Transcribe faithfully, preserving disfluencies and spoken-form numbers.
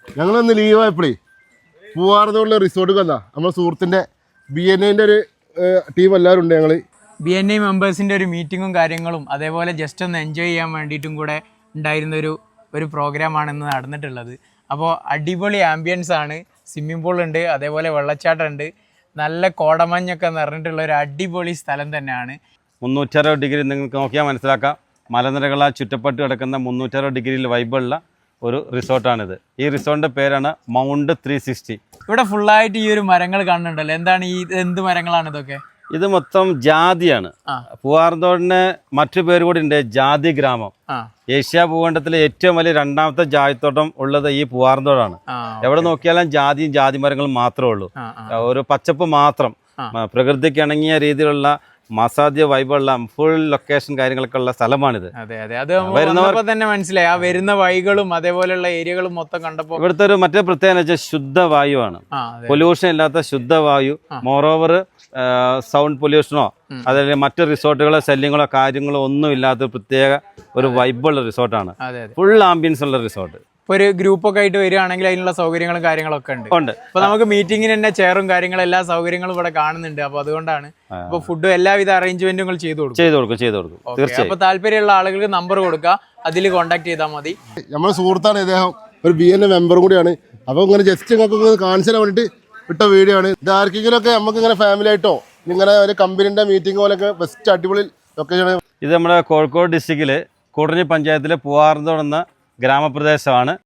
ഞങ്ങളൊന്ന് ലീവായപ്പോഴേ പൂവാർന്നുള്ള റിസോർട്ട് വന്നാ നമ്മുടെ സുഹൃത്തിൻ്റെ ബി എൻ എൻ്റെ ഒരു ടീം എല്ലാവരും ഉണ്ട്. ഞങ്ങൾ ബി എൻ ഐ മെമ്പേഴ്സിൻ്റെ ഒരു മീറ്റിങ്ങും കാര്യങ്ങളും അതേപോലെ ജസ്റ്റ് ഒന്ന് എൻജോയ് ചെയ്യാൻ വേണ്ടിയിട്ടും കൂടെ ഉണ്ടായിരുന്ന ഒരു ഒരു പ്രോഗ്രാമാണ് ഇന്ന് നടന്നിട്ടുള്ളത്. അപ്പോൾ അടിപൊളി ആംബിയൻസ് ആണ്. സ്വിമ്മിംഗ് പൂൾ ഉണ്ട്, അതേപോലെ വെള്ളച്ചാട്ടം ഉണ്ട്, നല്ല കോടമഞ്ഞൊക്കെ നിറഞ്ഞിട്ടുള്ള ഒരു അടിപൊളി സ്ഥലം തന്നെയാണ്. മുന്നൂറ്ററുപത് ഡിഗ്രി നിങ്ങൾക്ക് നോക്കിയാൽ മനസ്സിലാക്കാം. മലനിരകളാൽ ചുറ്റപ്പെട്ട് കിടക്കുന്ന മുന്നൂറ്ററുപത് ഡിഗ്രിയിൽ വൈബുള്ള ഒരു റിസോർട്ടാണിത്. ഈ റിസോർട്ടിൻ്റെ പേരാണ് മൗണ്ട് ത്രീ സിക്സ്റ്റി. ഇവിടെ ഫുള്ളായിട്ട് ഈ ഒരു മരങ്ങൾ കാണുന്നുണ്ടല്ലോ, എന്താണ് ഈ എന്ത് മരങ്ങളാണ് ഇതൊക്കെ? ഇത് മൊത്തം ജാതിയാണ്. പൂവാർന്തോടിന് മറ്റു പേര് കൂടി ഉണ്ട്, ജാതി ഗ്രാമം. ഏഷ്യ ഭൂഖണ്ഡത്തിലെ ഏറ്റവും വലിയ രണ്ടാമത്തെ ജാതിത്തോട്ടം ഉള്ളത് ഈ പൂവാർന്തോടാണ്. എവിടെ നോക്കിയാലും ജാതിയും ജാതി മരങ്ങളും മാത്രമേ ഉള്ളൂ. ഒരു പച്ചപ്പ് മാത്രം, പ്രകൃതിക്ക് ഇണങ്ങിയ രീതിയിലുള്ള മസാദ്യ വൈബുള്ള ഫുൾ ലൊക്കേഷൻ കാര്യങ്ങളൊക്കെ ഉള്ള സ്ഥലമാണിത്. അതെ അതെ അത് വരുന്നവർക്ക് തന്നെ മനസ്സിലായി. ആ വരുന്ന വഴികളും അതേപോലെയുള്ള ഏരിയകളും മൊത്തം കണ്ടപ്പോൾ ഇവിടുത്തെ ഒരു മറ്റേ പ്രത്യേകത വെച്ചാൽ ശുദ്ധവായുവാണ്. പൊല്യൂഷൻ ഇല്ലാത്ത ശുദ്ധവായു. മോറോവർ സൗണ്ട് പൊല്യൂഷനോ അതല്ലെങ്കിൽ മറ്റു റിസോർട്ടുകളോ ശല്യങ്ങളോ കാര്യങ്ങളോ ഒന്നും ഇല്ലാത്ത പ്രത്യേക ഒരു വൈബുള്ള റിസോർട്ടാണ്. ഫുൾ ആംബിയൻസ് ഉള്ള റിസോർട്ട്. ഒരു ഗ്രൂപ്പൊക്കെ ആയിട്ട് വരികയാണെങ്കിൽ അതിനുള്ള സൗകര്യങ്ങളും കാര്യങ്ങളൊക്കെ ഉണ്ട്. ഉണ്ട്. അപ്പൊ നമുക്ക് മീറ്റിങ്ങിന് തന്നെ ചെയറും കാര്യങ്ങളും എല്ലാ സൗകര്യങ്ങളും ഇവിടെ കാണുന്നുണ്ട്. അപ്പൊ അതുകൊണ്ടാണ് ഇപ്പൊ ഫുഡും എല്ലാവിധ അറേഞ്ച്മെന്റുകൾ ചെയ്തു കൊടുക്കും ചെയ്തു കൊടുക്കും ചെയ്തു കൊടുക്കും തീർച്ചയായും. അപ്പൊ താല്പര്യമുള്ള ആളുകൾക്ക് നമ്പർ കൊടുക്കുക, അതിൽ കോൺടാക്ട് ചെയ്താൽ മതി. നമ്മുടെ സുഹൃത്താണ് ഇദ്ദേഹം, ഒരു ബി എൻ എ മെമ്പറും കൂടിയാണ്. അപ്പോൾ ഇങ്ങനെ ജസ്റ്റ് നിങ്ങൾക്ക് കാണിച്ചു തരാൻ വേണ്ടിയിട്ട് ഇട്ട വീഡിയോ ആണ് ഇത്. ആർക്കെങ്കിലും ഒക്കെ നമുക്ക് ഇങ്ങനെ ഫാമിലി ആയിട്ടോ ഇങ്ങനെ ഒരു കമ്പനീൻ്റെ മീറ്റിംഗ് പോലെയൊക്കെ ബെസ്റ്റ് അടിപൊളി ലൊക്കേഷൻ. ഇത് നമ്മുടെ കോഴിക്കോട് ഡിസ്ട്രിക്റ്റിലെ കൂടഞ്ഞി പഞ്ചായത്തിലെ പൂവാർന്തോട് എന്ന ഗ്രാമപ്രദേശമാണ്.